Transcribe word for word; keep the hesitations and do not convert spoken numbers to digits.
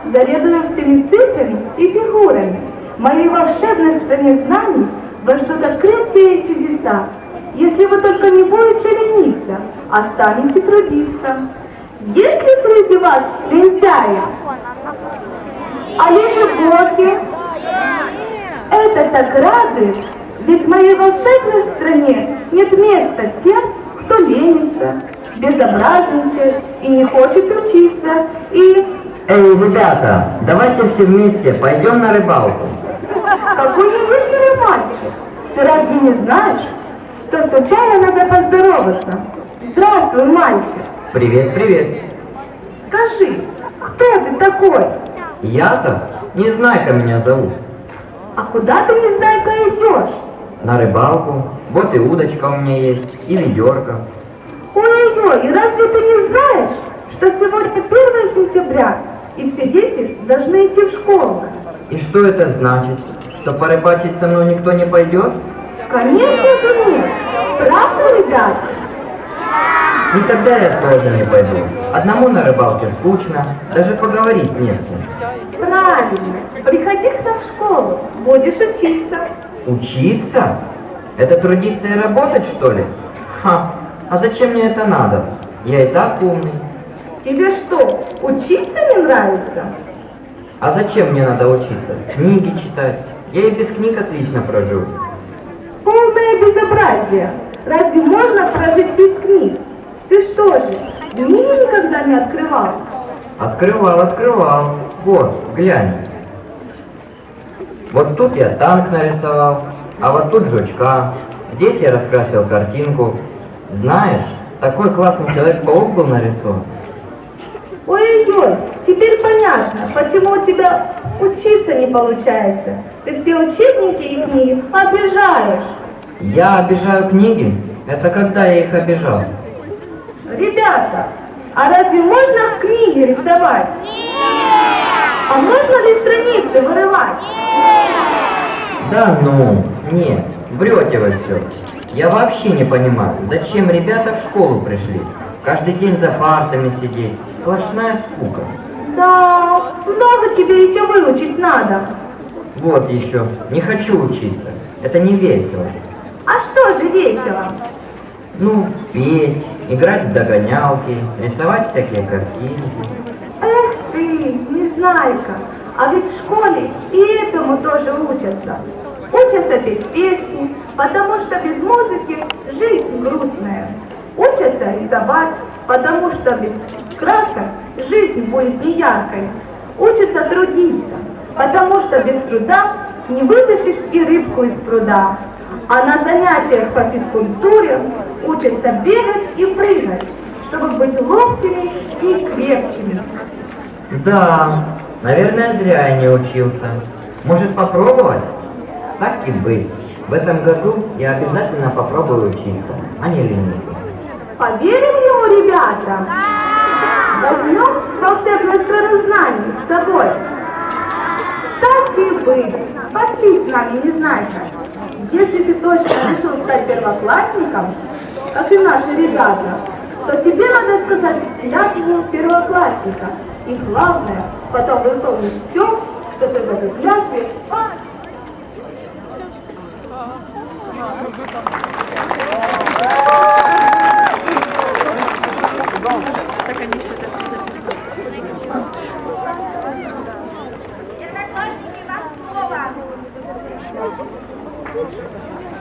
заведую всеми цифрами и фигурами. В моей волшебной стране знаний вас ждут открытия и чудеса. Если вы только не будете лениться, а станете трудиться. Есть ли среди вас лентяи? А лежебоки? Это так радует, ведь в моей волшебной стране нет места тем, кто ленится, безобразничает и не хочет учиться, и... Эй, ребята, давайте все вместе пойдем на рыбалку. Какой невежливый мальчик! Ты разве не знаешь, что случайно надо поздороваться? Здравствуй, мальчик! Привет, привет. Скажи, кто ты такой? Я-то Незнайка меня зовут. А куда ты, Незнайка, идешь? На рыбалку. Вот и удочка у меня есть, и ведерко. Ой-ой-ой, и разве ты не знаешь, что сегодня первое сентября, и все дети должны идти в школу? И что это значит? Что порыбачить со мной никто не пойдет? Конечно же нет. Правда, ребят? И тогда я тоже не пойду. Одному на рыбалке скучно, даже поговорить не с кем. Правильно. Приходи к нам в школу, будешь учиться. Учиться? Это трудиться и работать, что ли? Ха, а зачем мне это надо? Я и так умный. Тебе что, учиться не нравится? А зачем мне надо учиться? Книги читать. Я и без книг отлично прожил. Полное безобразие. Разве можно прожить без книг? Ты что же, книги никогда не открывал? Открывал, открывал. Вот, глянь. Вот тут я танк нарисовал, а вот тут жучка. Здесь я раскрасил картинку. Знаешь, такой классный Человек-паук был нарисован. Ой-ой-ой, теперь понятно, почему у тебя учиться не получается. Ты все учебники и книги обижаешь. Я обижаю книги? Это когда я их обижал? Ребята, а разве можно в книге рисовать? Нет! А можно ли страницы вырывать? Нет! Да ну, нет, врете вы все. Я вообще не понимаю, зачем ребята в школу пришли. Каждый день за партами сидеть. Сплошная скука. Да, много тебе еще выучить надо. Вот еще, не хочу учиться. Это не весело. А что же весело? Ну, петь, играть в догонялки, рисовать всякие картинки. Эх ты, Незнайка, а ведь в школе и этому тоже учатся. Учатся петь песни, потому что без музыки жизнь грустная. Учатся рисовать, потому что без красок жизнь будет неяркой. Учатся трудиться, потому что без труда не вытащишь и рыбку из пруда. А на занятиях по физкультуре учатся бегать и прыгать, чтобы быть ловкими и крепкими. Да, наверное, зря я не учился. Может, попробовать? Так и быть. В этом году я обязательно попробую учиться, а не лениться. Поверим ему, ребята? Возьмем волшебную страну знаний с собой. Так и быть. Пошли с нами, Незнайка. Если ты точно решил стать первоклассником, как и наши ребята, то тебе надо сказать клятву первоклассника. И главное, потом выполнить все, что ты в этой клятве. Так они все это все записали. Одноклассники, вам слово.